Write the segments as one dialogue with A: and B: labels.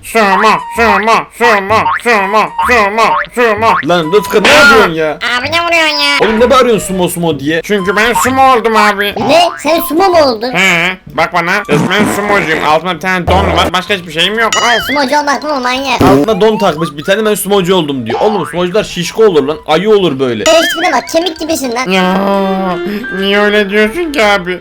A: Sumo.
B: Lan Rıfkı ne yapıyorsun ya?
C: Abi ne vuruyorsun ya?
B: Oğlum ne bağırıyorsun sumo diye?
A: Çünkü ben sumo oldum abi.
C: Ne? Sen sumo mu oldun?
A: He, bak bana. Resmen sumocuyum. Altımda bir tane don var. Başka hiçbir şeyim yok.
C: Aa, sumocu olmak mı manyak?
B: Altına don takmış bir tane, ben sumocu oldum diyor. Oğlum sumocular şişko olur lan. Ayı olur böyle.
C: Değiştirine bak, kemik gibisin lan.
A: Ya niye öyle diyorsun ki abi?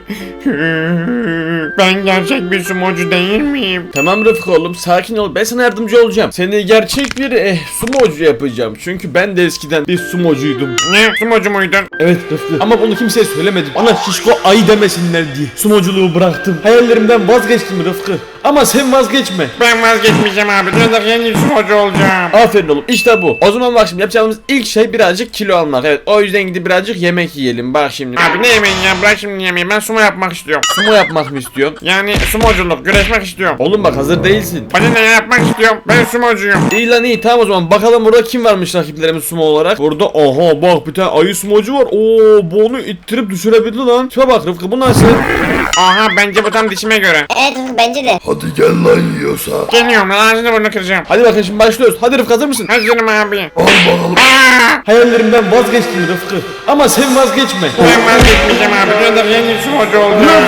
A: Ben gerçek bir sumocu değil miyim?
B: Tamam Rıfkı oğlum, sakin ol, ben sana yardımcı olacağım. Seni gerçek bir sumocu yapacağım. Çünkü ben de eskiden bir sumocuydum.
A: Ne? Sumocu muydun?
B: Evet Rıfkı, ama bunu kimseye söylemedim. Bana şişko ayı demesinler diye sumoculuğu bıraktım. Hayallerimden vazgeçtim Rıfkı. Ama sen vazgeçme.
A: Ben vazgeçmeyeceğim abi. Dünyada yeni sumocu olacağım.
B: Aferin oğlum, işte bu. O zaman bak, şimdi yapacağımız ilk şey birazcık kilo almak. Evet, o yüzden gidip birazcık yemek yiyelim. Bak şimdi.
A: Abi ne yemeğin ya? Bırak şimdi yemeği. Ben sumo yapmak istiyorum.
B: Sumo yapmak mı istiyorsun?
A: Yani sumoculuk, güreşmek istiyorum.
B: Oğlum bak, hazır değilsin.
A: Ben ne yapmak istiyorum? Ben sumocuyum.
B: İyi lan iyi, tamam o zaman bakalım burada kim varmış rakiplerimiz sumo olarak. Burada aha bak, bir tane ayı sumocu var. Oo, bu onu ittirip düşürebildi lan. Şuna bak Rıfkı, bu nasıl?
A: Aha, bence bu tam dişime göre.
C: Evet, bence de.
D: Hadi gel lan yiyorsa.
A: Geliyorum lan, ağzını burnunu kıracağım.
B: Hadi bakın şimdi başlıyoruz. Hadi Rıfkı, hazır mısın?
A: Hazırım abi.
D: Al bakalım.
A: Aa!
B: Hayallerimden vazgeçtim Rıfkı. Ama sen vazgeçme.
A: Ben vazgeçmeyeceğim abi. Dünyada yeni sumocu olacağım.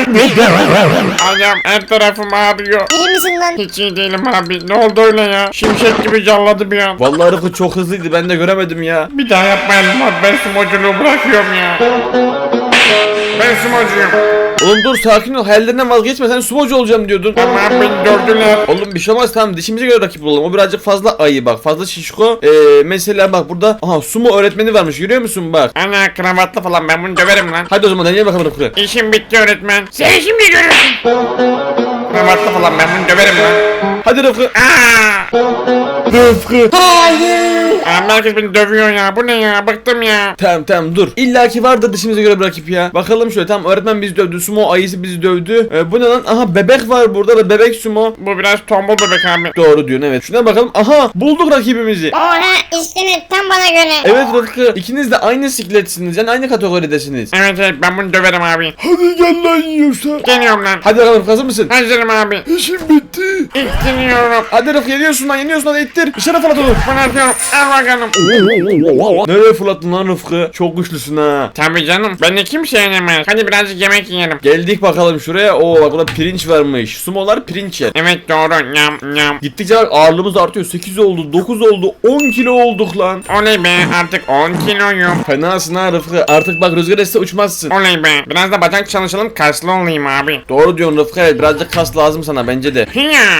A: Ayağım, her tarafım ağrıyor.
C: İyi misin lan?
A: Hiç iyi değilim abi. Ne oldu öyle ya? Şimşek gibi calladı bir an.
B: Vallahi Rıfkı çok hızlıydı, ben de göremedim ya.
A: Bir daha yapmayalım abi. Ben sumoculuğu bırakıyorum ya. Ben sumocuyum.
B: Oğlum dur, sakin ol, hayallerinden vazgeçme, sen sumocu olacağım diyordun.
A: Ama abi beni dövdüler.
B: Oğlum bir şey olmaz, tamam, dişimize göre rakip olalım. O birazcık fazla ayı, bak fazla şişko. Mesela bak burada aha sumo öğretmeni varmış, görüyor musun bak.
A: Ana kravatlı falan, ben bunu döverim lan.
B: Hadi o zaman deneyelim bakalım Rıfkı.
A: İşim bitti öğretmen. Sen şimdi görürsün. Kravatlı falan, ben bunu döverim lan.
B: Hadi Rıfkı.
A: Aa!
B: Rıfkı.
A: Abi herkes beni dövüyor ya. Bu ne ya? Bıktım ya.
B: Tamam dur. İlla ki vardır dişimize göre bir rakip ya. Bakalım şöyle, tamam öğretmen bizi dövdü. Sumo ayısı bizi dövdü. Bu ne lan? Aha bebek var burada da, bebek sumo.
A: Bu biraz tombul bebek abi.
B: Doğru diyorsun, evet. Şuna bakalım. Aha bulduk rakibimizi.
C: Oha, işte tam bana göre.
B: Evet Rıfkı, ikiniz de aynı sikletsiniz, yani aynı kategoridesiniz.
A: Evet ben bunu döverim abi.
D: Hadi gel lan yiyorsa.
A: Geliyorum lan.
B: Hadi bakalım, hazır mısın?
A: Hazırım abi.
D: İşim bitti.
A: İttiriyorum.
B: Hadi Rıfkı, yeniyorsun lan, hadi ittir. Dışarı fırlat onu.
A: Bunu atıyorum. Al bakalım.
B: Nereye fırlattın lan Rıfkı? Çok güçlüsün ha.
A: Tabii canım. Beni kimse yenemez. Hadi birazcık yemek yiyelim.
B: Geldik bakalım şuraya. Oo bak, burada pirinç varmış. Sumolar pirinç yer.
A: Evet doğru. Nyam nyam.
B: Gittikçe bak, ağırlığımız artıyor. 8 oldu, 9 oldu, 10 kilo olduk lan.
A: Oley be, artık 10 kiloyum.
B: Fenasın ha Rıfkı. Artık bak, rüzgar esse uçmazsın.
A: Oley be. Biraz da bacak çalışalım, kaslı olayım abi.
B: Doğru diyorsun Rıfkı, evet, birazcık kas lazım sana bence de.
A: Hiya.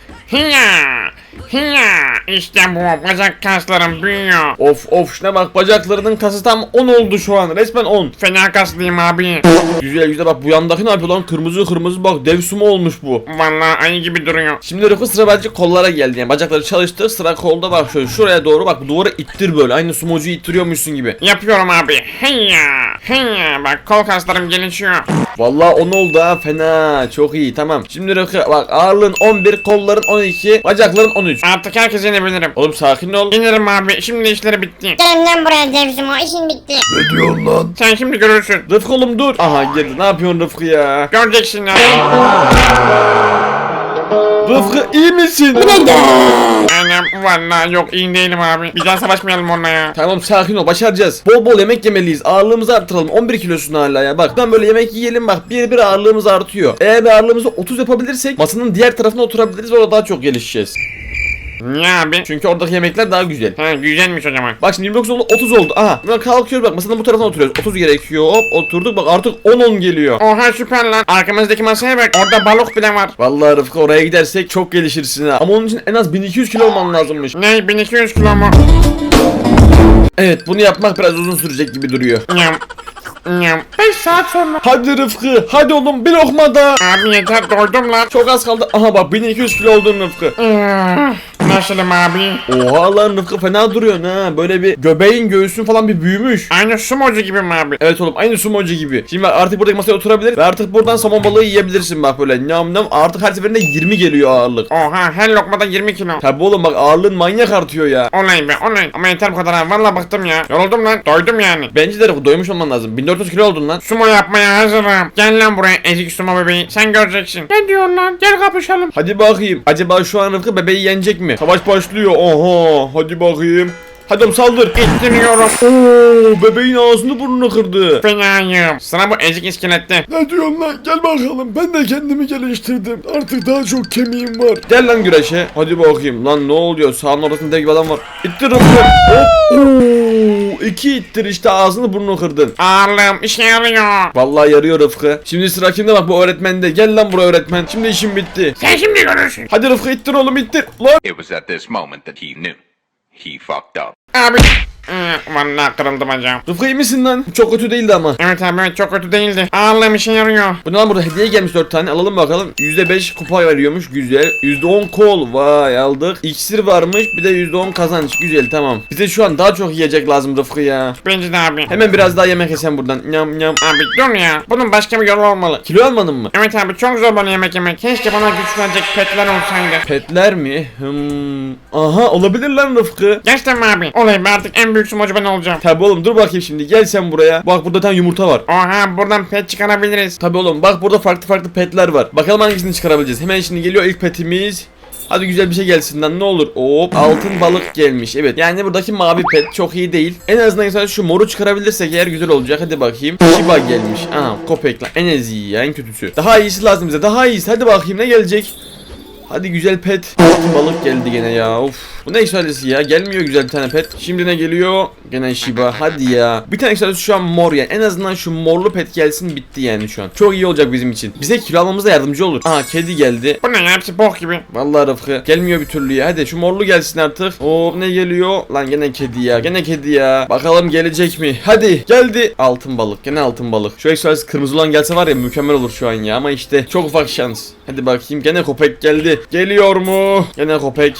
A: Hiya. Hiya. İşte bu, bacak kaslarım büyüyor.
B: Of şuna bak, bacaklarının kası tam 10 oldu şu an, resmen 10.
A: Fena kaslıyım abi.
B: Güzel bak, bu yandaki ne yapıyor lan, kırmızı bak, dev sumo olmuş bu.
A: Vallahi ayı gibi duruyor.
B: Şimdi Rıfkı, sıra bence kollara geldi, yani bacakları çalıştır, sıra kolda. Bak şöyle şuraya doğru bak, duvara ittir böyle, aynı sumocuyu ittiriyormuşsun gibi.
A: Yapıyorum abi. Hiya. Hiya. Bak kol kaslarım gelişiyor.
B: Vallahi 10 oldu ha, fena, çok iyi, tamam. Şimdi Rıfkı bak, ağırlığın 11, kolların 12, bacakların 13.
A: Artık herkes yenebilirim.
B: Oğlum sakin ol.
A: İnerim abi. Şimdi işleri bitti.
C: Gelin lan buraya dev sumo, işin bitti.
D: Ne diyorsun lan?
A: Sen şimdi görürsün.
B: Rıfkı oğlum dur. Aha geldi, ne yapıyorsun Rıfkı ya?
A: Göreceksin ya.
B: Rıfkı iyi misin?
A: Annem vallahi yok, iyi değilim abi. Bir daha savaşmayalım onunla ya.
B: Tamam sakin ol, başaracağız. Bol bol yemek yemeliyiz, ağırlığımızı artıralım. 11 kilosun hala ya, bak ben böyle yemek yiyelim, bak bir ağırlığımız artıyor. Eğer bir ağırlığımızı 30 yapabilirsek masanın diğer tarafına oturabiliriz ve orada daha çok gelişeceğiz.
A: Niye abi?
B: Çünkü oradaki yemekler daha güzel.
A: Ha, güzelmiş o zaman.
B: Bak şimdi 29 oldu, 30 oldu. Aha buradan kalkıyoruz, bak masanın bu tarafına oturuyoruz. 30 gerekiyor, hop oturduk, bak artık 10 geliyor.
A: Oha süper lan. Arkamızdaki masaya bak. Orada balık bile var.
B: Vallahi Rıfkı, oraya gidersek çok gelişirsin ha. Ama onun için en az 1200 kilo olman lazımmış.
A: Ne, 1200 kilo mu?
B: Evet, bunu yapmak biraz uzun sürecek gibi duruyor.
A: Nyam. Nyam. 5 saat sonra.
B: Hadi Rıfkı, hadi oğlum, bir lokma daha.
A: Abi yeter, doydum lan.
B: Çok az kaldı. Aha bak, 1200 kilo oldun Rıfkı.
A: Ne Nasılım abi?
B: Oha lan Rıfkı fena duruyorsun ha. Böyle bir göbeğin göğsün falan bir büyümüş.
A: Aynı sumocu gibi mi abi?
B: Evet oğlum aynı sumocu gibi. Şimdi bak artık buradaki masaya oturabilir ve artık buradan somon balığı yiyebilirsin bak böyle nam nam. Artık her seferinde 20 geliyor ağırlık.
A: Oha her lokmada 20 kilo.
B: Tabi oğlum bak ağırlığın manyak artıyor ya.
A: Olay be olay. Ama yeter bu kadar abi. Valla bıktım ya. Yoruldum lan. Doydum yani.
B: Bence de Rıfkı doymuş olman lazım. 1400 kilo oldun lan.
A: Sumo yapmaya hazırım. Gel lan buraya ezik sumo bebeği. Sen göreceksin. Ne diyorsun lan? Gel kapışalım.
B: Hadi bakayım. Acaba şu an Rıfkı bebeği yenecek mi? Savaş başlıyor. Oha. Hadi bakayım. Hadi oğlum saldır.
A: İttiriyorum.
B: Oo, bebeğin ağzını burnunu kırdı.
A: Fenayım. Sıra bu ezik iskelette.
D: Ne diyorsun lan? Gel bakalım. Ben de kendimi geliştirdim. Artık daha çok kemiğim var.
B: Gel lan güreşe. Hadi bakayım. Lan ne oluyor? Sağın ortasında dev gibi adam var. İttir Rıfkı. Hop. Oo, 2 ittir işte ağzını burnunu kırdın.
A: Ağırlığım işe yarıyor.
B: Vallahi yarıyor Rıfkı. Şimdi sıra kimde bak bu öğretmende. Gel lan buraya öğretmen. Şimdi işim bitti.
A: Sen şimdi görürsün.
B: Hadi Rıfkı ittir oğlum ittir. Lan.
E: It was at this moment that he knew. He fucked up.
A: Abi. Vallahi kırıldı bacağım.
B: Rıfkı iyi misin lan? Çok kötü değildi ama.
A: Evet abi evet çok kötü değildi. Ağırlığım işe yarıyor.
B: Bu ne lan burada hediye gelmiş 4 tane alalım bakalım. %5 kupa veriyormuş güzel. %10 kol vay aldık. İksir varmış bir de %10 kazanç güzel tamam. Bize şu an daha çok yiyecek lazım Rıfkı ya.
A: Bence de abi.
B: Hemen biraz daha yemek yesen buradan. Nyam nyam.
A: Abi dur ya. Bunun başka bir yolu olmalı.
B: Kilo almadın mı?
A: Evet abi çok zor bana yemek yemek. Keşke bana güç verecek petler olsaydı.
B: Petler mi? Aha olabilir lan Rıfkı.
A: Gerçekten mi abi? Olay be artık en büyük sumocu ben olacağım.
B: Tabi oğlum dur bakayım şimdi gel sen buraya. Bak burada tane yumurta var.
A: Oha buradan pet çıkarabiliriz.
B: Tabi oğlum bak burada farklı farklı petler var. Bakalım hangisini çıkarabileceğiz. Hemen şimdi geliyor ilk petimiz. Hadi güzel bir şey gelsin lan ne olur. Hop altın balık gelmiş. Evet yani buradaki mavi pet çok iyi değil. En azından sadece şu moru çıkarabilirsek eğer güzel olacak. Hadi bakayım. Shiba gelmiş. Aha köpek lan. En iyi ya en kötüsü. Daha iyisi lazım bize. Daha iyisi. Hadi bakayım ne gelecek. Hadi güzel pet. Altın balık geldi gene ya. Of. Bu ne ekstralisi ya? Gelmiyor güzel bir tane pet. Şimdi ne geliyor? Gene Shiba. Hadi ya. Bir tane ekstralisi şu an mor yani. En azından şu morlu pet gelsin bitti yani şu an. Çok iyi olacak bizim için. Bize kilo almamıza yardımcı olur. Aha kedi geldi.
A: Bu ne ya hepsi bok gibi.
B: Vallahi Rıfkı. Gelmiyor bir türlü ya. Hadi şu morlu gelsin artık. Oo ne geliyor? Lan gene kedi ya. Gene kedi ya. Bakalım gelecek mi? Hadi. Geldi. Altın balık. Gene altın balık. Şu ekstralisi kırmızı olan gelse var ya mükemmel olur şu an ya. Ama işte çok ufak şans. Hadi bakayım. Gene köpek geldi. Geliyor mu? Gene köpek.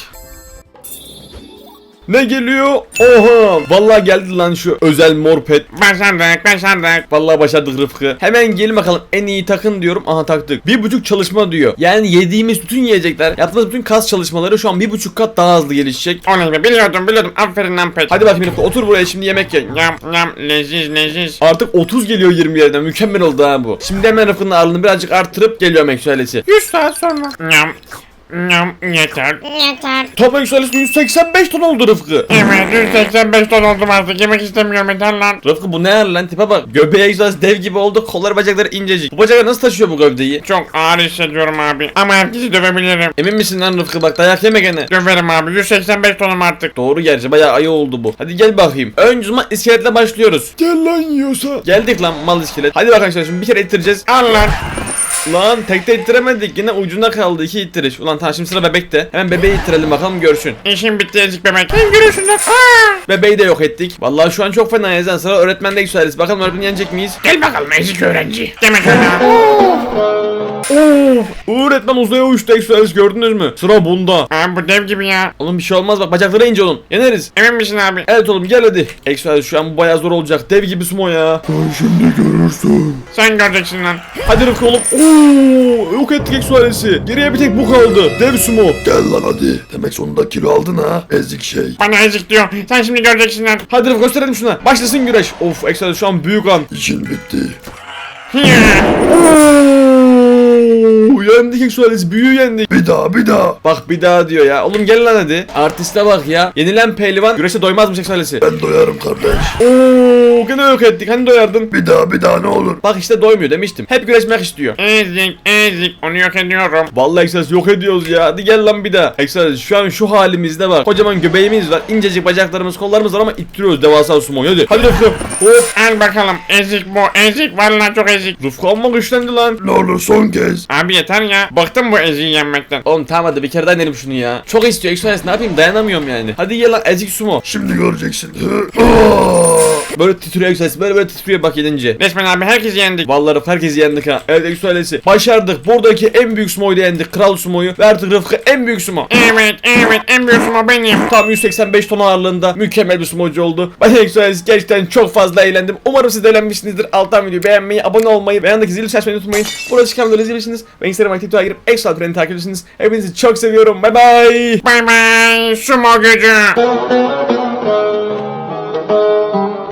B: Ne geliyor? Oha! Vallahi geldi lan şu özel mor pet.
A: Başardık.
B: Vallahi başardık Rıfkı. Hemen gelin bakalım en iyi takın diyorum. Aha taktık. 1,5 çalışma diyor. Yani yediğimiz bütün yiyecekler, yaptığımız bütün kas çalışmaları şu an 1,5 kat daha hızlı gelişecek.
A: Olay be biliyordum. Aferin lan pet.
B: Hadi bakayım Rıfkı otur buraya şimdi yemek ye.
A: Yam leziz.
B: Artık 30 geliyor 20 yerden. Mükemmel oldu ha bu. Şimdi hemen Rıfkı'nın ağırlığını birazcık arttırıp geliyorum ekstralesi.
A: 100 saat sonra. Yam yeter.
C: Yeter.
B: Top ekstralesi 185 ton oldu Rıfkı.
A: Evet 185 ton oldum artık yemek istemiyorum yeter lan.
B: Rıfkı bu ne yer lan tipe bak. Göbeği egzersiz dev gibi oldu. Kolları bacakları incecik. Bu bacaklar nasıl taşıyor bu gövdeyi?
A: Çok ağır hissediyorum abi. Ama herkesi dövebilirim.
B: Emin misin lan Rıfkı bak dayak yeme gene.
A: Döverim abi 185 tonum artık.
B: Doğru gerçi bayağı ayı oldu bu. Hadi gel bakayım. Önce zaman iskeletle başlıyoruz.
D: Gel lan yiyorsa.
B: Geldik lan mal iskelet. Hadi bak arkadaşlar şimdi bir kere ittireceğiz.
A: Al lan.
B: Lan tekte ittiremedik. Yine ucunda kaldı 2 ittiriş. Ulan tamam şimdi sıra bebekte. Hemen bebeği ittirelim bakalım görsün.
A: İşim bitti ezik bebek. Sen görürsün lan.
B: Bebeği de yok ettik. Vallahi şu an çok fena yazan sıra öğretmende yükseliriz. Bakalım öğretmen yenecek miyiz?
A: Gel bakalım ezik öğrenci. Demek öyle.
B: Öğretmen uzaya uçtu Express gördünüz mü? Sıra bunda.
A: Abi bu dev gibi ya.
B: Oğlum bir şey olmaz bak bacakları ince olun. Yeneriz.
A: Emin misin abi?
B: Evet oğlum gel hadi. Express şu an bu bayağı zor olacak. Dev gibi sumo ya.
D: Sen şimdi görürsün.
A: Sen göreceksin lan.
B: Hadi Rıfkı oğlum. Oo, yok ettik Express'i. Geriye bir tek bu kaldı. Dev sumo.
D: Gel lan hadi. Demek sonunda kilo aldın ha. Ezik şey.
A: Bana ezik diyor. Sen şimdi göreceksin lan.
B: Hadi Rıfkı gösterelim şuna. Başlasın güreş. Of Express şu an büyük an.
D: İşin bitti.
B: Yendik Express. Büyüğü yendik.
D: Bir daha.
B: Bak bir daha diyor ya. Oğlum gel lan hadi. Artiste bak ya. Yenilen pehlivan güreşte doymazmış Express'i.
D: Ben doyarım kardeş.
B: Oo, gene yok ettik. Hani doyardın?
D: Bir daha ne olur.
B: Bak işte doymuyor demiştim. Hep güreşmek istiyor.
A: Ezik. Onu yok ediyorum.
B: Vallahi Express yok ediyoruz ya. Hadi gel lan bir daha. Express şu an şu halimizde bak. Kocaman göbeğimiz var. İncecik bacaklarımız, kollarımız var ama ittiriyoruz devasa sumoyu. Hadi. Hadi Rıfkı. Hop.
A: Al bakalım. Ezik bu. Ezik. Vallahi çok ezik.
B: Rıfkı amma güçlendi lan.
D: Ne olur son kez.
A: Abi yeter ya. Bıktım bu eziği yenmekten.
B: Oğlum tamam hadi bir kere daha denelim şunu ya. Çok istiyor Express ne yapayım dayanamıyorum yani. Hadi gel lan ezik sumo.
D: Şimdi göreceksin. Hı. Aa!
B: Böyle titriyor Exoalesi. Böyle titriyor bak yenince.
A: Resmen abi herkes yendik.
B: Vallahi herkesi yendik ha. Evet Exoalesi. Başardık. Buradaki en büyük sumoyu da yendik. Kral sumoyu. Ve artık Rıfkı en büyük sumo.
A: Evet en büyük sumo benim.
B: Tam 185 ton ağırlığında mükemmel bir sumocu oldu. Ben Exoalesi gerçekten çok fazla eğlendim. Umarım siz de eğlenmişsinizdir. Alttan videoyu beğenmeyi, abone olmayı ve yanındaki zili açmayı unutmayın. Burada çıkan videoları izleyebilirsiniz. Ve Instagram aktifine girip Exoalesi'ni takip edebilirsiniz. Hepinizi çok seviyorum. Bye bye.
A: Bay bay sumo gücü.